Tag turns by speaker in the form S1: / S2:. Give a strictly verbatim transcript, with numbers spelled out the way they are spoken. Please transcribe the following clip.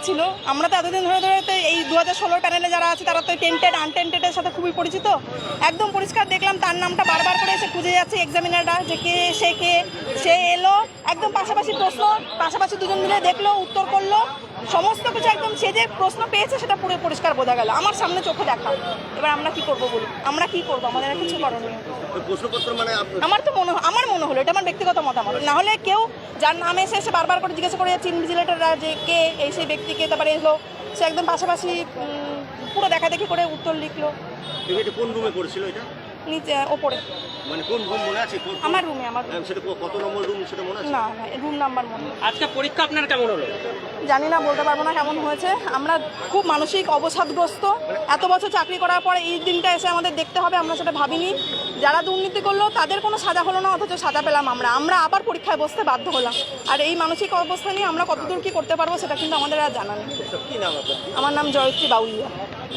S1: ছিল। আমরা তো এতদিন ধরে ধরে তো এই দু হাজার ষোলোর প্যানেলে যারা আছে তারা তো টেন্টেড আনটেন্টেডের সাথে খুবই পরিচিত। একদম পরিষ্কার দেখলাম তার নামটা বারবার করে এসে খুঁজে যাচ্ছে এক্সামিনাররা যে কে সে কে সে এলো, একদম পাশাপাশি প্রশ্ন, পাশাপাশি দুজন মিলে দেখলো, উত্তর করলো, সমস্ত কিছু একদম সে যে প্রশ্ন পেয়েছে সেটা পুরো পরিষ্কার বোঝা গেল আমার সামনে চোখে দেখা। এবার আমরা কি করব বলুন, আমরা কি করবো, আমাদের আর কিছু করণীয়।
S2: প্রশ্নপত্র মানে
S1: আমার তো মনে আমার মনে হলো, এটা আমার ব্যক্তিগত মতামত, না হলে কেউ যার নামে এসে এসে বারবার করে জিজ্ঞাসা করে যাচ্ছে ইনভিজিলেটররা যে কে এই সেই ব্যক্তিকে, তারপরে এলো সে একদম পাশাপাশি পুরো দেখা দেখি করে উত্তর লিখলো।
S2: এটা কোন রুমে পড়েছিল এটা?
S1: নিচে ওপরে।
S2: মানে কোন রুম মনে আছে?
S1: আমার রুমে। আমার
S2: সেটা কত নম্বর রুম সেটা মনে আছে?
S1: না না রুম নাম্বার মনে নেই।
S3: আজকে পরীক্ষা আপনার কেমন হলো?
S1: জানি না, বলতে পারবো না কেমন হয়েছে। আমরা খুব মানসিক অবসাদগ্রস্ত। এত বছর চাকরি করার পর এই দিনটা এসে আমাদের দেখতে হবে, আমরা সেটা ভাবিনি। যারা দুর্নীতি করলো তাদের কোনো সাজা হলো না, অথচ সাজা পেলাম আমরা। আমরা আবার পরীক্ষায় বসতে বাধ্য হলাম। আর এই মানসিক অবস্থা নিয়ে আমরা কতদূর কী করতে পারবো সেটা কিন্তু আমাদের আর জানা নেই।
S2: কি নাম আপনার?
S1: আমার নাম জয়শ্রী বাউলিয়া।